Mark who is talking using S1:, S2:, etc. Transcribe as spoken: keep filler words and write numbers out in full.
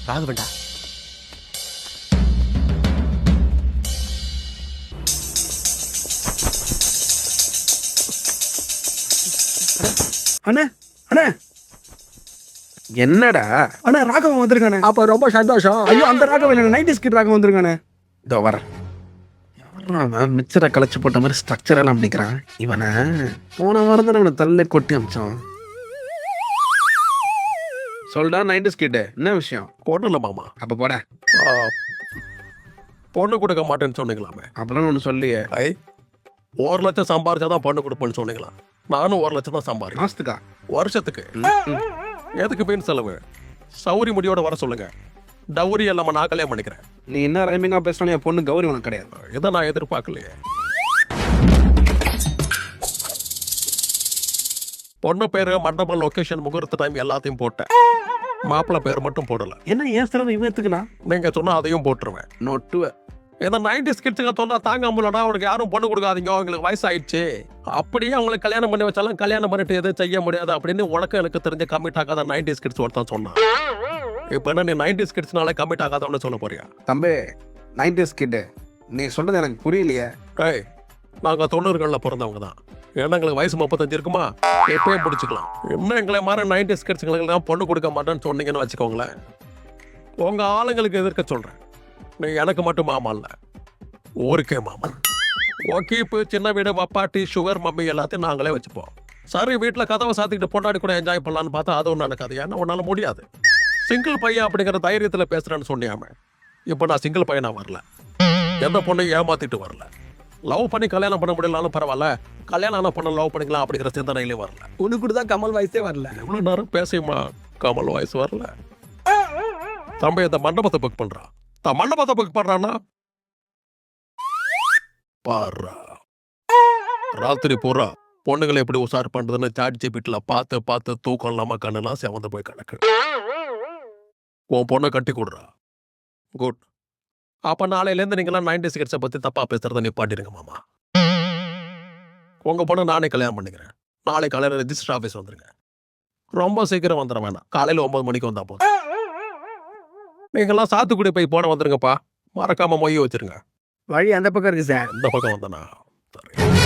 S1: ராகவன்டா.
S2: அண்ணே அண்ணே
S1: என்னடா?
S2: அண்ணா ராகவன் வந்திருக்கானே.
S1: அப்ப ரொம்ப சந்தோஷம்.
S2: ஐயோ அந்த ராகவன் இல்லை, நைன்டி ஸ்கிட் ராகவன் வந்திருக்கானே.
S1: இதோ வரேன். மிச்சரை களைச்சு போட்ட மாதிரி ஸ்ட்ரக்சர் எல்லாம் பண்ணிக்கிறான் இவனை. போன வாரம் தான் அவனை தள்ள கொட்டி அமிச்சான். சொல்டா நைன்டி ஸ்கிட், என்ன விஷயம்?
S3: பொண்ணு இல்லை மாமா.
S1: அப்ப போட
S3: பொண்ணு கொடுக்க மாட்டேன்னு சொன்னீங்களாமே.
S1: அப்பெல்லாம் ஒன்று சொல்லியே.
S3: ஐ ஒரு லட்சம் சம்பாரிச்சாதான் பொண்ணு கொடுப்பேன்னு சொன்னீங்களா? நானும் ஒரு லட்சம் தான் சம்பாரி.
S1: மாசத்துக்கா?
S3: வருஷத்துக்கு. எதுக்கு மீன் செலவு? சௌரி முடியோட வர சொல்லுங்க. டவுரி இல்லாம நான் கல்யாணம் பண்ணிக்கிறேன்.
S1: நீ என்ன ரைமிங்கா பேசினா என் பொண்ணு கௌரி உனக்கு கிடையாது.
S3: இதை நான் எதிர்பார்க்கலையே. பொண்ணு பேரு, மண்டபம், லொகேஷன், முகூர்த்த டைம் எல்லாத்தையும் போட்டேன். மாப்பிள்ளை பேர் மட்டும் போடல.
S1: என்ன ஏன் சிறந்த இவன் எடுத்துக்கணா?
S3: நீங்க சொன்னா அதையும் போட்டுருவேன்.
S1: நொட்டுவ
S3: இந்த நைன்டி ஸ்கிட்ஸுங்க சொன்னா தாங்க முடியலடா, அவனுக்கு யாரும் பொண்ணு கொடுக்காதீங்க, அவங்களுக்கு வயசாயிடுச்சு, அப்படியே அவங்களுக்கு கல்யாணம் பண்ணி வச்சாலும் கல்யாணம் பண்ணிட்டு எதுவும் செய்ய முடியாது அப்படின்னு உனக்கு எனக்கு தெரிஞ்ச கமிட் ஆகாத நைன்டி ஸ்கிட்ஸ் ஒருத்தான் சொன்னான். இப்போ என்ன நீ நைன்டி ஸ்கிட்ஸ்னால கமிட் ஆகாதவன்னு சொல்ல போறியா?
S1: தம்பி நைன்டி ஸ்கிட், நீ சொல்றது எனக்கு புரியலையே.
S3: ஏய் நாங்கள் தொண்ணூறுகளில் பிறந்தவங்க தான். ஏன்னா எங்களுக்கு வயசு முப்பத்தஞ்சு இருக்குமா, எப்பயும் பிடிச்சிக்கலாம். இன்னும் எங்களை மாதிரி நைன்டி ஸ்கிட்ஸுங்களுக்கு தான் பொண்ணு கொடுக்க மாட்டேன்னு சொன்னீங்கன்னு வச்சுக்கோங்களேன், உங்கள் ஆளுங்களுக்கு எதிர்க்க சொல்கிறேன். நீ எனக்கு மட்டும் மாமா இல்லை, ஊருக்கே மாமா. ஓகே இப்போ சின்ன வீடு, பப்பாட்டி, சுகர், மம்மி எல்லாத்தையும் நாங்களே வச்சுப்போம். சரி வீட்டில் கதவை சாத்திக்கிட்டு பொண்டாடி கூட என்ஜாய் பண்ணலான்னு பார்த்தா அதுவும் நடக்காது. ஏன்னா உன்னால் முடியாது. சிங்கிள் பையன் அப்படிங்கிற தைரியத்தில் பேசுகிறேன்னு சொன்னியாமே. இப்போ நான் சிங்கிள் பையனாக வரல, எந்த பொண்ணையும் ஏமாத்திட்டு வரல. லவ் பண்ணி கல்யாணம் பண்ண முடியலாலும் பரவாயில்ல, கல்யாணம் ஆனால் பண்ண லவ் பண்ணிக்கலாம் அப்படிங்கிற சிந்தனையிலே வரல.
S2: உனக்கு தான் கமல் வயசே வரல.
S3: எவ்வளோ நேரம் பேசியுமா கமல் வயசு வரல. தம்பி இந்த மண்டபத்தை புக் பண்ணுறான். தான் மண்டபத்தை புக் பண்ணுறான்னா பாரா ராத்திரி பூரா பொண்ணுங்களை எப்படி உசார் பண்ணுறதுன்னு சாட் ஜிபிட்டில பார்த்து பார்த்து தூக்கம் இல்லாமல் கண்ணுலாம் செவந்து போய் கிடக்கு. உன் பொண்ணை கட்டி கொடுறா. குட். அப்போ நாளையிலேருந்து நீங்களாம் நைன்டி ஸ்கிட்ஸை பற்றி தப்பாக பேசுறத நிப்பாட்டிடுங்க மாமா. உங்கள் பொண்ணை நானே கல்யாணம் பண்ணிக்கிறேன். நாளை காலையில் ரெஜிஸ்டர் ஆஃபீஸ் வந்துருங்க. ரொம்ப சீக்கிரம் வந்துட வேணாம், காலையில் ஒன்பது மணிக்கு வந்தால் போதும். நீங்கள்லாம் சாத்துக்குடி போய் போன வந்துருங்கப்பா, மறக்காம மொய் வச்சிருங்க.
S2: வழி அந்த பக்கம் இருக்கு சார்.
S3: இந்த பக்கம் வந்தனா